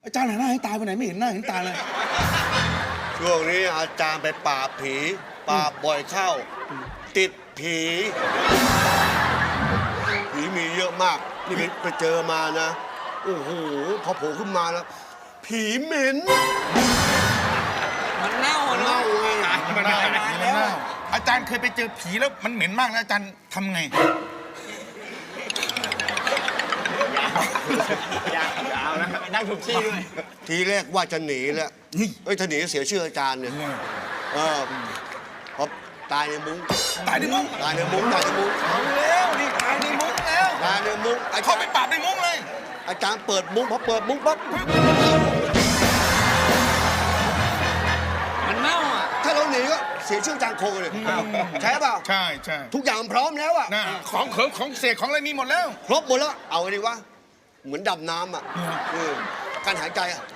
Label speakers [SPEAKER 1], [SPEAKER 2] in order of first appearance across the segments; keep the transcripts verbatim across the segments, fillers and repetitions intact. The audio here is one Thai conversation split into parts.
[SPEAKER 1] อาจารย์หันหน้าให้ตายไปไหนไม่เห็นหน้าเห็นตาเลย
[SPEAKER 2] ช่วงนี้อาจารย์ไปปราบผีปราบบ่อยเข้าติดผีผีมีเยอะมากนี่ไปเจอมานะโอ้โหพอโผล่ขึ้นมาแล้วผีเหม็น
[SPEAKER 3] มันเน่า
[SPEAKER 2] เน่าไง
[SPEAKER 1] มันเน่ามันเน่าอาจารย์เคยไปเจอผีแล้วมันเหม็นมากแล้วอาจารย์ทำไง
[SPEAKER 3] อย่าเอานะนั่งถูกที่ด้วย
[SPEAKER 2] ทีแรกว่าจะหนีแล้วเอ้ยถ้าหนีเสียชื่ออาจารย์เนี่ยเออพอตายในมุ้ง
[SPEAKER 1] ตายในมุ้ง
[SPEAKER 2] ตายในมุ้งตายในมุ้ง
[SPEAKER 1] เอาแล้วนี่ตายในมุ้งแล้ว
[SPEAKER 2] ตายในมุ้ง
[SPEAKER 1] เขาไปปราบในมุ้งเลย
[SPEAKER 2] อาจารย์เปิดมุ้งพอเปิดมุ้งปั๊บ
[SPEAKER 3] มันเน่าอ่ะ
[SPEAKER 2] ถ้าเราหนีก็เสียชื่ออาจารย์โคเลยใช่เปล่า
[SPEAKER 1] ใช่ใช่
[SPEAKER 2] ทุกอย่างพร้อมแล้วอ่ะ
[SPEAKER 1] ของเขิงของเสกของอะไรมีหมดแล้ว
[SPEAKER 2] ครบหมดแล้วเอาไงดีวะเหมือนดำน้ำอ่ะการหายใจอ่ะ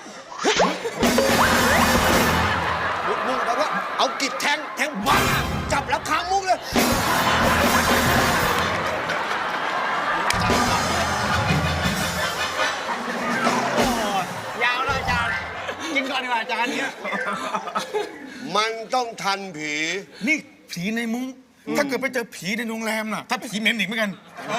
[SPEAKER 2] มุ้งมุ้งแปลว่าเอากิจแทงแทงบ้าจับแล้วค้างมุ้งเลย
[SPEAKER 3] ยาวเลยอาจารย์กินก่อนดีกว่าอาจารย์เนี่ย
[SPEAKER 2] มันต้องทันผี
[SPEAKER 1] นี่ผีในมุ้งถ้าเกิดไปเจอผีในโรงแรมน่ะถ้าผีเหม็นอีกเหมือนกัน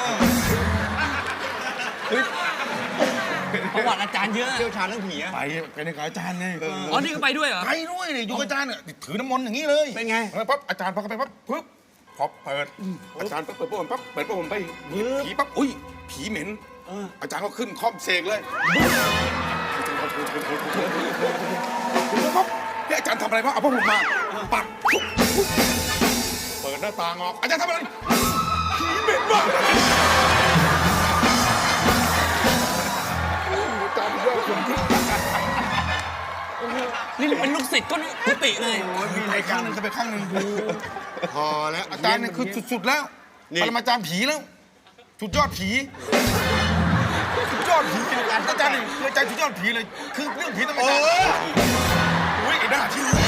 [SPEAKER 3] ประวัติอาจารย์เยอะเชี่ยวชาญเรื่องผี
[SPEAKER 1] ไปไปในกับอาจารย์ไง
[SPEAKER 3] อ๋อนี่ก็ไปด้วยเหรอ
[SPEAKER 1] ไปด้วยนี่อยู่กับอาจารย์เนี่ยถือน้ำมนต์อย่างนี้เลย
[SPEAKER 3] เป็นไง
[SPEAKER 1] ปั๊บอาจารย์พอเข้าไปปั๊บปึ๊บพอเปิดอาจารย์ปั๊บเปิดปุ๊บปั๊บเปิดปุ๊บผมไปผีปั๊บอุ้ยผีเหม็นอาจารย์ก็ขึ้นคล่อมเสกเลยปั๊บนี่อาจารย์ทำอะไรวะเอาพวกผมมาปัดเปิดหน้าต่างออกอาจารย์ทำอะไรผีเหม็นมาก
[SPEAKER 3] นี่เป็นลูกศิษย์ก็กุฏิเลย
[SPEAKER 1] ไปข้างหนึ่งไปข้างหนึ่ง
[SPEAKER 2] พอแล้ว
[SPEAKER 1] อาจารย์เนี่ยคือสุดๆแล้วปรมาจารย์ผีแล้วสุดยอดผีสุดยอดผีอาจารย์เนี่ยคืออาจารย์สุดยอดผีเลยคือเรื่องผีต้องอาจารย์โอ้ยไอ้หน้าที่